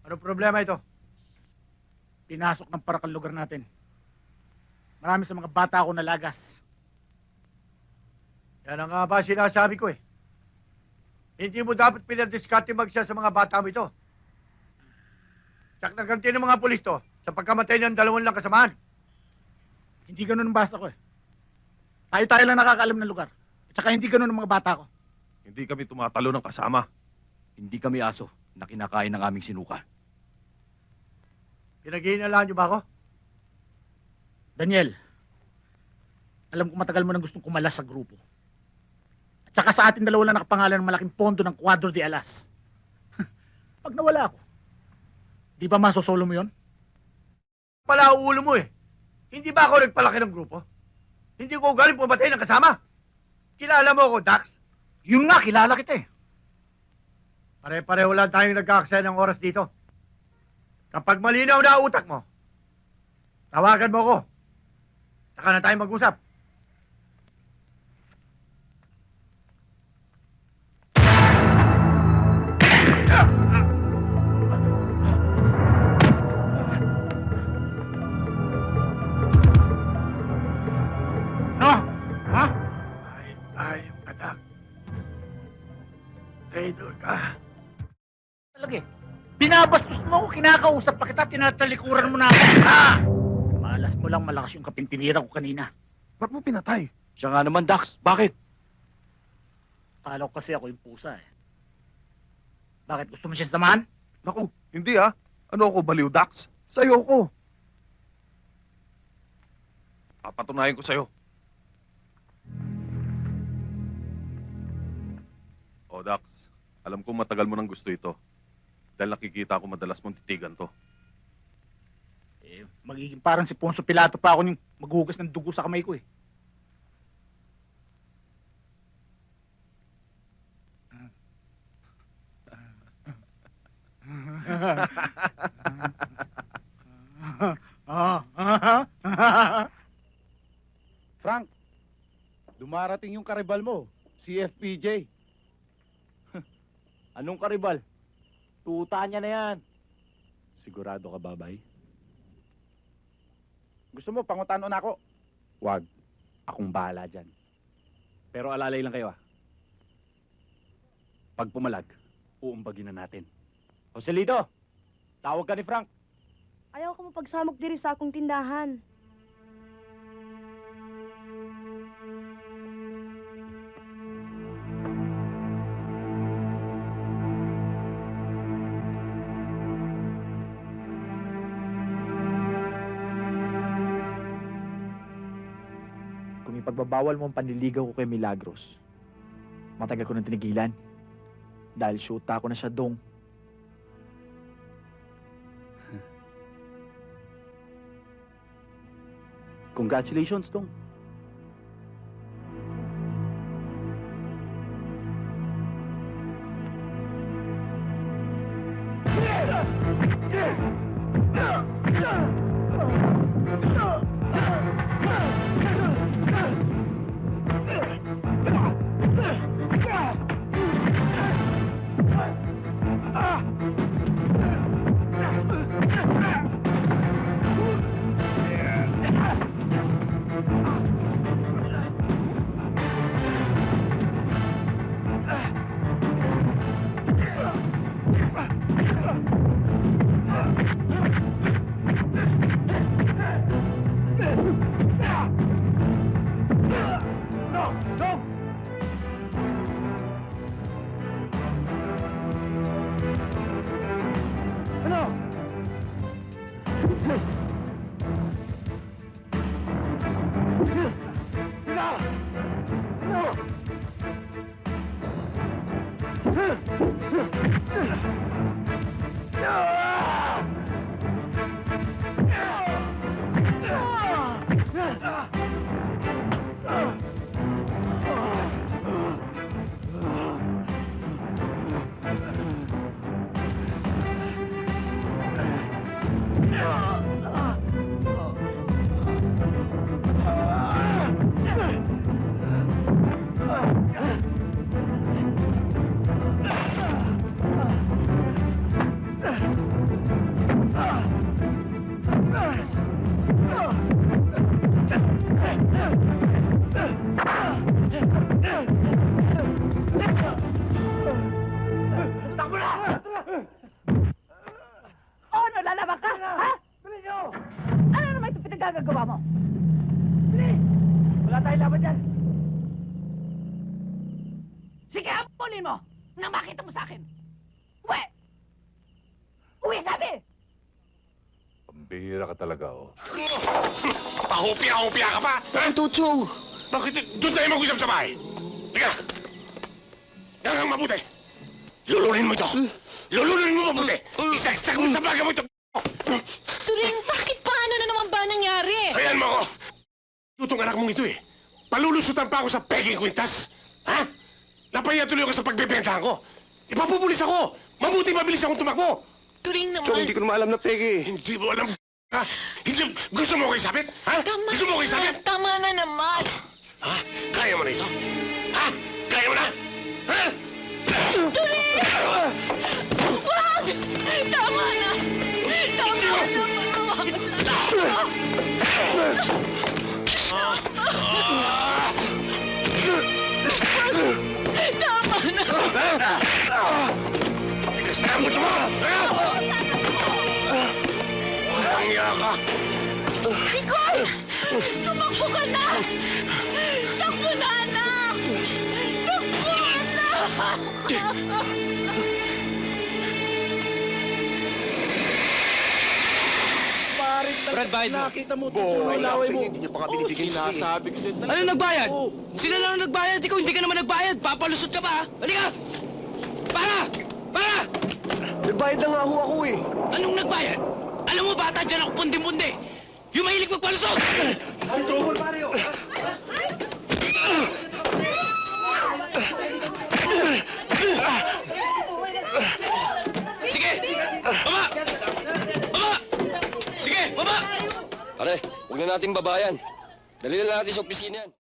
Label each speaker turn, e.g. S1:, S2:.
S1: Ano problema ito?
S2: Pinasok ng parakal lugar natin. Marami sa mga bata ako nalagas.
S1: Yan ang nga ba sinasabi ko eh. Hindi mo dapat pinadiskarte magsiya sa mga bata mo ito. Tsak na ganti ng mga pulis to sa pagkamatay ng 2 lang kasamahan.
S2: Hindi ganun ang basa ko eh. Tayo-tayo lang nakakaalam ng lugar. At saka hindi ganun ang mga bata ko.
S3: Hindi kami tumatalo ng kasama.
S4: Hindi kami aso na kinakain ng aming sinuka.
S1: Pinag-iinalaan niyo ba ako?
S2: Daniel, alam ko matagal mo nang gustong kumalas sa grupo. At saka sa atin 2 lang nakapangalan ng malaking pondo ng Cuadro de Alas. Pag nawala ako, di ba masosolo mo yon?
S1: Pala ang ulo mo eh. Hindi ba ako nagpalaki ng grupo? Hindi ko galing pumatay ng kasama. Kilala mo ako, Dax?
S2: Yun nga, kilala kita eh.
S1: Pare-pareho lang tayong nagkakasaya ng oras dito. Kapag malinaw na ang utak mo, tawagan mo ako. Saka na tayo mag-usap.
S2: No? Ha?
S1: Ayong anak. Traitor ka.
S2: Talaga eh. Binabastos mo ako, kinakausap pa kita, tinatalikuran mo na ako.
S1: Ah!
S2: Malas mo lang malakas yung kapintinira ko kanina.
S3: Ba't mo pinatay?
S4: Siya nga naman, Dax. Bakit?
S2: Akala ko kasi ako yung pusa eh. Bakit gusto mo siya samahan?
S3: Naku, hindi ah. Ano ako, baliw, Dax? Sa'yo ko. Papatunayan ko sa'yo. O, Dax. Alam ko matagal mo nang gusto ito. Dahil nakikita ko madalas mong titigan to.
S2: Eh, magiging parang si Ponso Pilato pa ako yung maghugas ng dugo sa kamay ko eh.
S5: Frank, dumarating yung karibal mo, si FPJ.
S4: Anong karibal? Tuta niya na yan.
S5: Sigurado ka, babay? Gusto mo, pangutano na ako? Wag, akong bahala dyan. Pero alalay lang kayo ah. Pag pumalag, uumbagin na natin. Joselito, tawag ka ni Frank.
S6: Ayaw ko mapagsamok diri sa akong tindahan.
S7: Kung ipagbabawal mo ang panliligaw ko kay Milagros, matagal ko nang tinigilan. Dahil shoota ko na siya dong.
S5: Congratulations, Dong.
S2: Takbo na! Ano, lalaban ka? Ha? Ano naman ito pinagagagawa mo? Bilis! Wala tayong laban dyan. Sige, habulin mo nang makita mo sa akin. Uwi! Uwi, sabi!
S3: Pambihira ka talaga, oh.
S8: Pahupya ka pa! Ha?
S9: Tutsong!
S8: Bakit doon tayo mag-usap sa bahay? Teka! Yan ang mabuti! Lulunin mo ito! Lulunin mo mabuti! Isaksak mo sa baga mo ito!
S10: Turing, bakit paano na naman ba nangyari?
S8: Ayan mo ako! Tutong anak mong ito eh! Palulusutan pa ako sa pegging kwintas! Ha? Napahiya tuloy ako sa pagbebentahan ko! Ipapupulis ako! Mabuti mabilis akong tumakbo!
S10: Turing
S9: Chong,
S10: naman.
S9: hindi ko naman alam na peke.
S8: Hindi mo alam, ha? Hindi, gusto mo ko isabit? Ha?
S10: Tama
S8: Gusto mo ko
S10: na,
S8: isabit?
S10: tama na naman.
S8: Ha? Kaya mo na ito? Ha? Kaya mo na? Ha?
S10: Wag! Tama na! Tama
S8: Chico!
S10: na! Tama na!
S8: Tigas na mo ito mo! Ha? Walang iya ka!
S10: Nicole! Tumakbo ka na! Takbo na, anak! Takbo, anak!
S9: Brad, bayad mo. Nakita mo, tutulong laway mo. Hindi niya pa kami binibigyan sa sinasabi ko sa'yo.
S11: Ano nagbayad? Sila lang ang nagbayad. Ikaw hindi ka naman nagbayad. Papalusot ka pa, ha? Halika! Para! Para!
S9: Nagbayad na nga ho ako eh.
S11: Anong nagbayad? Alam mo, bata, dyan ako pundi-pundi. Yung mahilig magpalusot! Sige! Baba! Baba! Sige, baba!
S9: Pare, huwag na natin babayan. Dali na natin sa opisina yan.